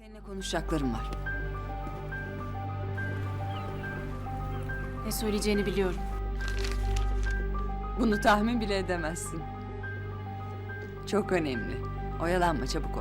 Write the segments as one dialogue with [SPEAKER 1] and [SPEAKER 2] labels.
[SPEAKER 1] Seninle konuşacaklarım var.
[SPEAKER 2] Ne söyleyeceğini biliyorum.
[SPEAKER 1] Bunu tahmin bile edemezsin. Çok önemli. Oyalanma, çabuk ol.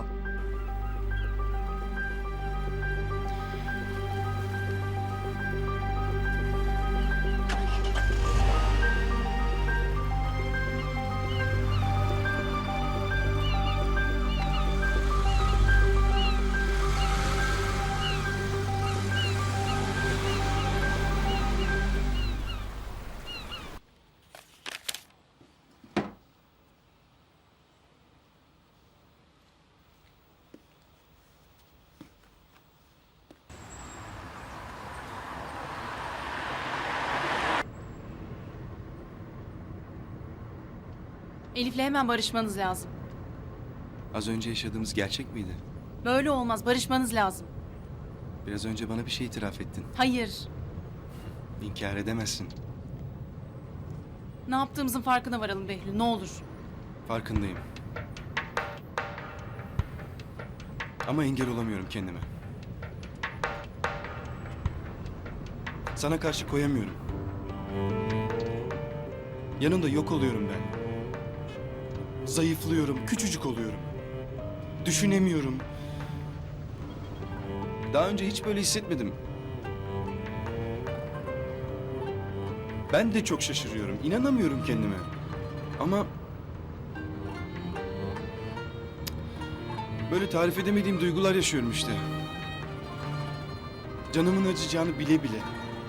[SPEAKER 2] Elif'le hemen barışmanız lazım.
[SPEAKER 3] Az önce yaşadığımız gerçek miydi?
[SPEAKER 2] Böyle olmaz, barışmanız lazım.
[SPEAKER 3] Biraz önce bana bir şey itiraf ettin.
[SPEAKER 2] Hayır.
[SPEAKER 3] İnkar edemezsin.
[SPEAKER 2] Ne yaptığımızın farkına varalım Behlül, ne olur.
[SPEAKER 3] Farkındayım. Ama engel olamıyorum kendime. Sana karşı koyamıyorum. Yanında yok oluyorum ben. Zayıflıyorum, küçücük oluyorum. Düşünemiyorum. Daha önce hiç böyle hissetmedim. Ben de çok şaşırıyorum. İnanamıyorum kendime. Ama böyle tarif edemediğim duygular yaşıyorum işte. Canımın acıyacağını bile bile.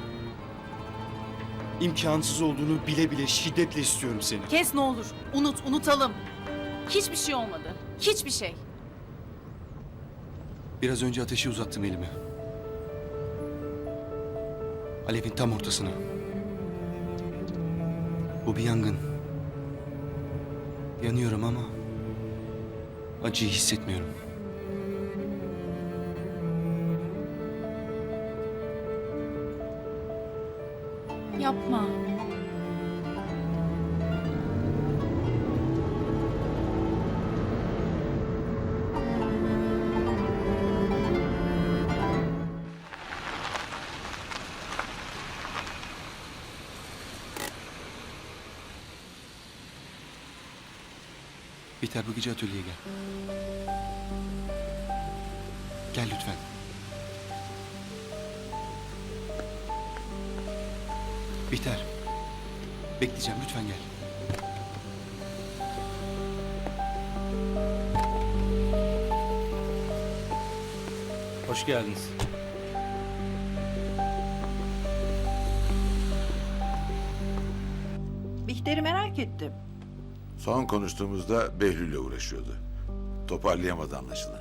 [SPEAKER 3] İmkansız olduğunu bile bile şiddetle istiyorum seni.
[SPEAKER 2] Kes ne olur, unutalım. Hiçbir şey olmadı, hiçbir şey.
[SPEAKER 3] Biraz önce ateşi uzattım elime. Alevin tam ortasına. Bu bir yangın. Yanıyorum ama acıyı hissetmiyorum.
[SPEAKER 2] Yapma.
[SPEAKER 3] Biter, bu gece atölyeye gel. Gel lütfen. Biter. Bekleyeceğim, lütfen gel.
[SPEAKER 4] Hoş geldiniz.
[SPEAKER 5] Bihter'i merak ettim.
[SPEAKER 6] Son konuştuğumuzda Behlül'le uğraşıyordu. Toparlayamadı anlaşılan.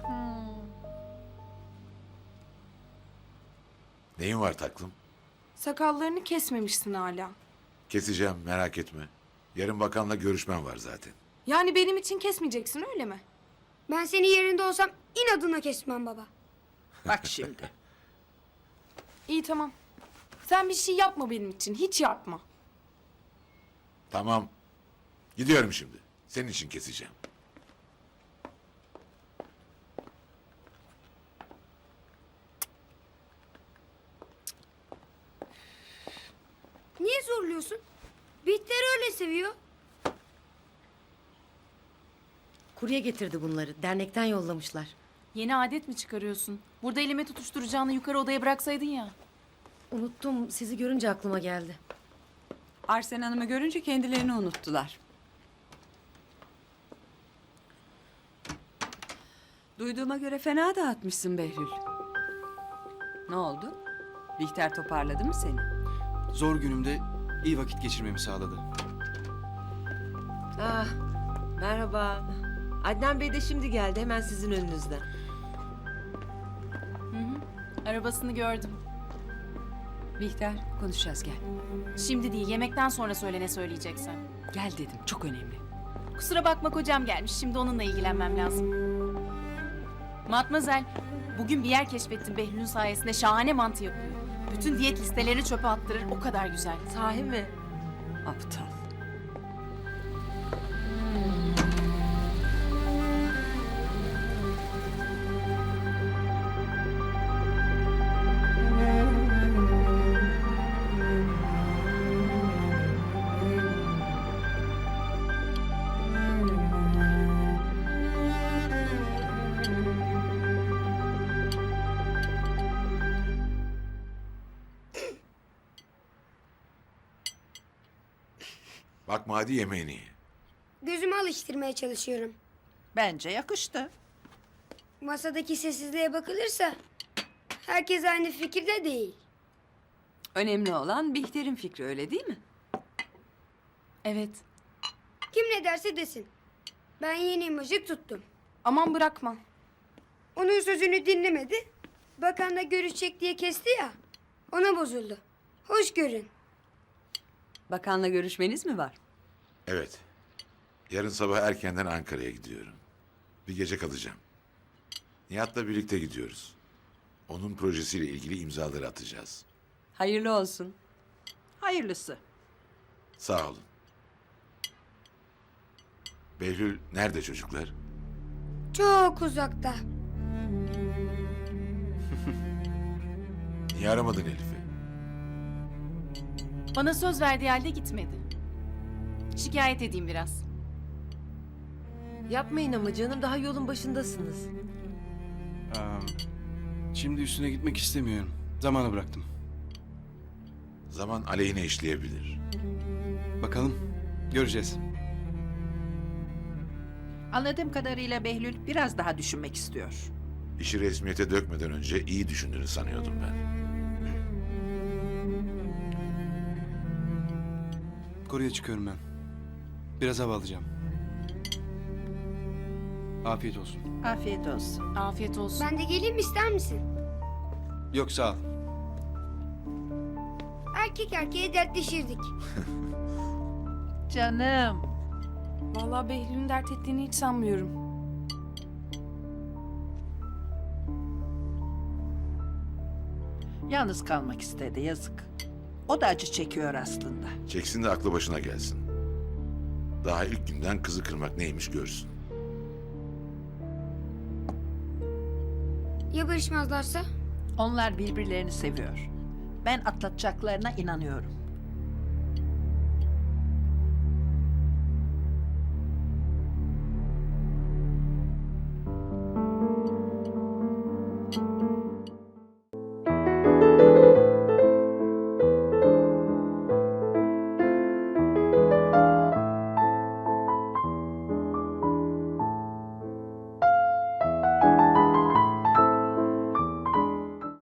[SPEAKER 6] Neyin var taklım?
[SPEAKER 7] Sakallarını kesmemişsin hala.
[SPEAKER 6] Keseceğim, merak etme. Yarın bakanla görüşmem var zaten.
[SPEAKER 7] Yani benim için kesmeyeceksin öyle mi?
[SPEAKER 8] Ben senin yerinde olsam inadına kesmem baba.
[SPEAKER 5] Bak şimdi.
[SPEAKER 7] İyi tamam. Sen bir şey yapma benim için. Hiç yapma.
[SPEAKER 6] Tamam. Gidiyorum şimdi. Senin için keseceğim.
[SPEAKER 8] Niye zorluyorsun? Bihter öyle seviyor.
[SPEAKER 9] Kurye getirdi bunları. Dernekten yollamışlar.
[SPEAKER 2] Yeni adet mi çıkarıyorsun? Burada elime tutuşturacağını yukarı odaya bıraksaydın ya.
[SPEAKER 9] Unuttum. Sizi görünce aklıma geldi.
[SPEAKER 1] Arsen Hanım'ı görünce kendilerini unuttular. Duyduğuma göre fena dağıtmışsın Behlül. Ne oldu? Bihter toparladı mı seni?
[SPEAKER 3] Zor günümde iyi vakit geçirmemi sağladı.
[SPEAKER 10] Ah, merhaba. Adnan Bey de şimdi geldi, hemen sizin önünüzden.
[SPEAKER 2] Arabasını gördüm.
[SPEAKER 1] Bihter, konuşacağız gel.
[SPEAKER 2] Şimdi değil, yemekten sonra söyle ne söyleyeceksen.
[SPEAKER 1] Gel dedim, çok önemli.
[SPEAKER 2] Kusura bakma kocam gelmiş, şimdi onunla ilgilenmem lazım. Matmazel, bugün bir yer keşfettim Behlül'ün sayesinde, şahane mantı yapıyor. Bütün diyet listelerini çöpe attırır, o kadar güzel.
[SPEAKER 10] Sahi mi?
[SPEAKER 1] Aptal.
[SPEAKER 6] Bakma hadi yemeğini ye.
[SPEAKER 8] Gözümü alıştırmaya çalışıyorum.
[SPEAKER 5] Bence yakıştı.
[SPEAKER 8] Masadaki sessizliğe bakılırsa herkes aynı fikirde değil.
[SPEAKER 1] Önemli olan Bihter'in fikri, öyle değil mi?
[SPEAKER 2] Evet.
[SPEAKER 8] Kim ne derse desin. Ben yeni imajı tuttum.
[SPEAKER 7] Aman bırakma.
[SPEAKER 8] Onun sözünü dinlemedi. Bakanla görüşecek diye kesti ya. Ona bozuldu. Hoş görün.
[SPEAKER 1] Bakanla görüşmeniz mi var?
[SPEAKER 6] Evet. Yarın sabah erkenden Ankara'ya gidiyorum. Bir gece kalacağım. Nihat'la birlikte gidiyoruz. Onun projesiyle ilgili imzaları atacağız.
[SPEAKER 1] Hayırlı olsun.
[SPEAKER 5] Hayırlısı.
[SPEAKER 6] Sağ olun. Behlül nerede çocuklar?
[SPEAKER 8] Çok uzakta.
[SPEAKER 6] Niye aramadın Elif'i?
[SPEAKER 2] Bana söz verdiği halde gitmedi. Şikayet edeyim biraz.
[SPEAKER 10] Yapmayın ama canım, daha yolun başındasınız.
[SPEAKER 3] Şimdi üstüne gitmek istemiyorum. Zamana bıraktım.
[SPEAKER 6] Zaman aleyhine işleyebilir.
[SPEAKER 3] Bakalım. Göreceğiz.
[SPEAKER 5] Anladığım kadarıyla Behlül biraz daha düşünmek istiyor.
[SPEAKER 6] İşi resmiyete dökmeden önce iyi düşündüğünü sanıyordum ben.
[SPEAKER 3] Koruya çıkıyorum ben. Biraz hava alacağım. Afiyet olsun.
[SPEAKER 5] Afiyet olsun.
[SPEAKER 2] Afiyet olsun.
[SPEAKER 8] Ben de geleyim ister misin?
[SPEAKER 3] Yok sağ ol.
[SPEAKER 8] Erkek erkeğe dertleşirdik.
[SPEAKER 5] Canım.
[SPEAKER 7] Vallahi Behlül'ün dert ettiğini hiç sanmıyorum.
[SPEAKER 5] Yalnız kalmak istedi, yazık. O da acı çekiyor aslında.
[SPEAKER 6] Çeksin de aklı başına gelsin. Daha ilk günden kızı kırmak neymiş görsün.
[SPEAKER 8] Ya barışmazlarsa?
[SPEAKER 5] Onlar birbirlerini seviyor. Ben atlatacaklarına inanıyorum.